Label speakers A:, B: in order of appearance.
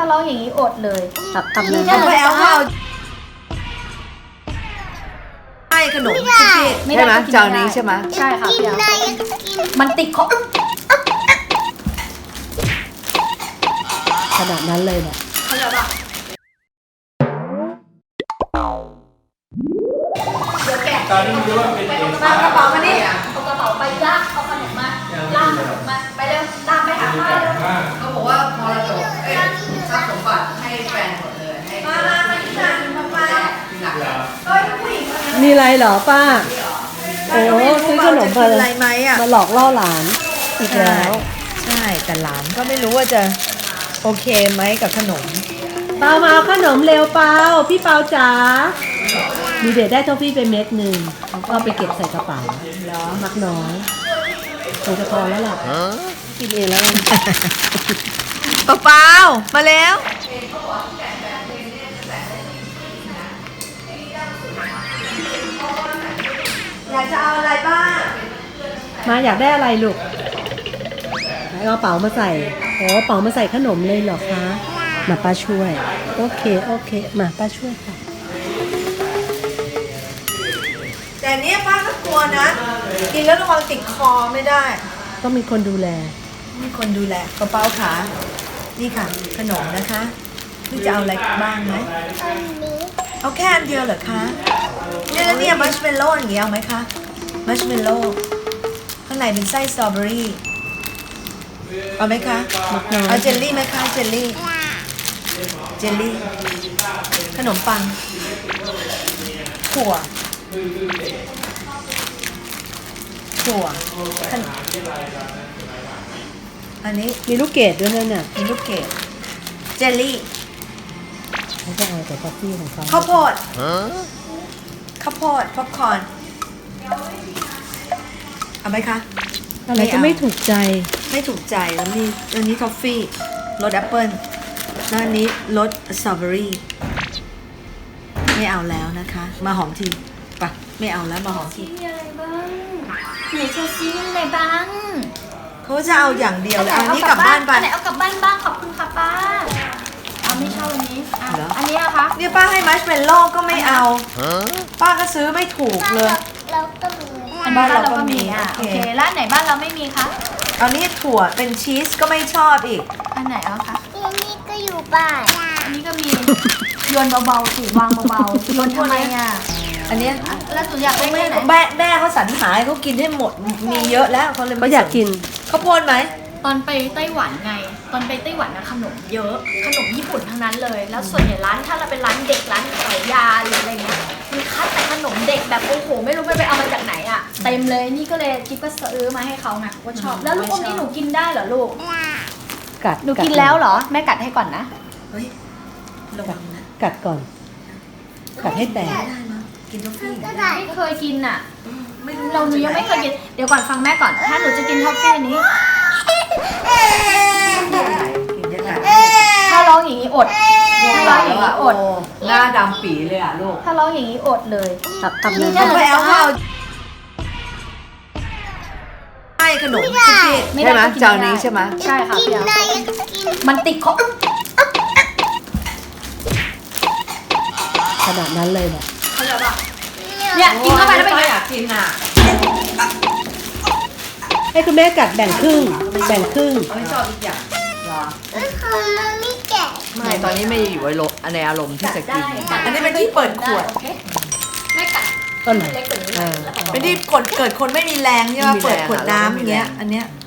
A: าร้องอย่างนี้อดเลย
B: ทำเลย
A: ถ้าเราจะเอา
C: ใช่ขนมคุกกี้
B: ใช่ไหมเจ้านี้ใช่ไหม
A: ใช่ค่ะพี่มันติดคอ
B: ขนาดนั้นเลยเนี่ย
A: เขาจะแบบเดี๋ยวแกะ
D: ตอนนี้รู้ว่าเป็นเอก
A: มากระเป๋ามานี่เอากระเป๋าไปลากเอาขนมมาลากขนมมาไปเร็วตามไปหาป้าเร็ว
D: มาก
C: เขาบอกว่ามรดกทรัพย์สมบัติให้แฟนหมดเลยให้
A: มาที่นั่นมา
C: ทีหลัง
D: เหรอ
A: เอ้ยผู้หญิงคนนี้
B: มีอะไรเหรอป้าโอ้ซื้อขนม
C: จะกินอะไรไหมอ่ะ
B: มาหลอกล่อหลานอีกแล้ว
C: ใช่แต่หลานก็ไม่รู้ว่าจะโอเคไหมกับขนม
B: เปามาเอาขนมเร็วเปาพี่เปาจ๋ามีเด็กได้ทอฟฟี่ไปเม็ดหนึ่งเขาก็เอาไปเก็บใส่กระเป๋า
C: เหรอ
B: มักน้อยคงจะพอแล้วล่ะกินเองแล้ว
C: เปล่ามาแล้วอยากจะเอาอะไรบ้าง
B: มาอยากได้อะไรลูกไหนเอากระเป๋ามาใส่โอ้กระเป๋ามาใส่ขนมเลยเหรอคะมาป้าช่วยโอเคมาป้าช่วยค่ะ
C: แต่เนี้ยป้าก็กลัวนะกินแล้วระวังติดคอไม่ได้
B: ต้องมีคนดูแล
C: มีคนดูแลกระเป๋าขานี่ค่ะขนมนะคะพี่จะเอาอะไรบ้างไหมเอาแค่อันเดียวเหรอคะเนี่ยแล้วเนี่ยมัชเมลโล่อย่างเงี้ยเอาไหมคะมัชเมลโล่ข้างในเป็นไส้สตรอเบอรี่เอาไหมคะเอาเจลลี่ไหมคะเจลลี่ขนมปังถั่วขนมอันนี้
B: มีลูกเกดด้วยนั่นน่ะ
C: มีลูกเกดเจลลี่
B: เขาจะเอาแต่ทอฟฟี่ของเขา
C: ข้าวโพดป๊อปคอร์นเอาไหมคะ
B: อะไรก็ไม่ถูกใจ
C: ไม่ถูกใจแล้วมีอันนี้ทอฟฟี่รสแอปเปิ้ลแล้วอันนี้รสสตรอเบอรี่ไม่เอาแล้วนะคะ มาหอมทีปะไม่เอาแล้วมาหอมที
A: มีอะไรบ้างไหนเชลซีมีอะไรบ้าง
C: เขาจะเอาอย่างเดียวเลยเอาอันนี้กลับบ้านไป
A: อันไหนเอากลับบ้านบ้างขอบคุณค่ะป้าเอาไม่ชอบอันนี้อ่ะ
C: เหรอ
A: อันนี้อะคะ
C: เนี่ยป้าให้มัชเมลโล่ก็ไม่เอาป้าก็ซื้อไม่ถูกเลย
A: อันนี้บ้านเราก็มี
C: โอ
A: โอ
C: เค
A: เคร้านไหนบ้านเราไม่มีคะ
C: เอานี่ถั่วเป็นชีสก็ไม่ชอบอีก
A: อันไหนเอาคะ
E: นี่ก็อยู่บ้าน
A: อันนี้ก็มีโยนเบาๆสิวางเบาๆโยนทำไมอ่ะ
C: อันเนี้ย
A: แล้วสุอยากได้แค่ไหน
C: แม่เขาสรรหาให้เขากินให้หมดมีเยอะแล้วเขาเลย
B: เขาอยากกิน
C: ข้าวโพดไหม
A: ตอนไปไต้หวันไง ตอนไปไต้หวันนะขนมเยอะ ขนมญี่ปุ่นทั้งนั้นเลย แล้วส่วนใหญ่ร้านถ้าเราเป็นร้านเด็กร้านขายยาหรืออะไรเงี้ยมีคัดแต่ขนมเด็กแบบโอ้โหไม่รู้ไปเอามาจากไหนอ่ะเต็มเลยนี่ก็เลยจิ๊บก็ซื้อมาให้เขาไงว่าชอบแล้วลูกอมนี่หนูกินได้เหรอลูก
B: กัด
A: หนูกินแล้วเหรอแม่กัดให้ก่อนนะ
C: เฮ้ยระวังนะ
B: กัดก่อน กัดให้แตก
C: ไม่ได้มั้งกินทอฟฟี่
A: ไม่เคยกินอ่ะ
C: ไม่รู้
A: เราหนูยังไม่เคยกินเดี๋ยวก่อนฟังแม่ก่อนถ้าหนูจะกินทอฟฟี่นี้
C: กินยังไง
A: ถ้าร้องอย่างนี้อดถ้าร้องอย่างนี้อด
C: หน้าดำปีเลยอ่ะลูก
A: ถ้าร้องอย่างนี้อดเลย
B: ทำเลย
A: ถ้า
C: เอาไปเอาข้าวใช่ขนมคุกกี้
B: ใช่ไหมเจ้านี้ใช่ไหม
A: ใช่ค่ะ
E: กิ
A: พี่
E: น
A: เอา
E: ได้กิน
A: มันติดคอ
B: ขนาดนั้นเลยเนี่ย
A: เขาจะแบบเนี่ยกินเข้าไปแล้วเป็นไง
C: อยากกินอ่ะ
B: ให้คุณแม่กัดแบ่งครึ่ง แบ่งครึ่ง
C: ไม่ชอบอีกอย่างเหรอ
E: ของมันไม่แก่
C: ไม่ตอนนี้ไม่อยู่ในอารมณ์ที่จะกิน
A: กัด
C: อันนี้เป็นที่เปิดขวด
A: โอเคแม่กัด
B: ต้นไหน
A: เล็กกว่านี้
B: อ่า
A: แล้วก็
C: เป็นที่เกิดคนไม่มีแรงใช่ไหมเปิดขวดน้ำอย่างเงี้ย อันเนี้ย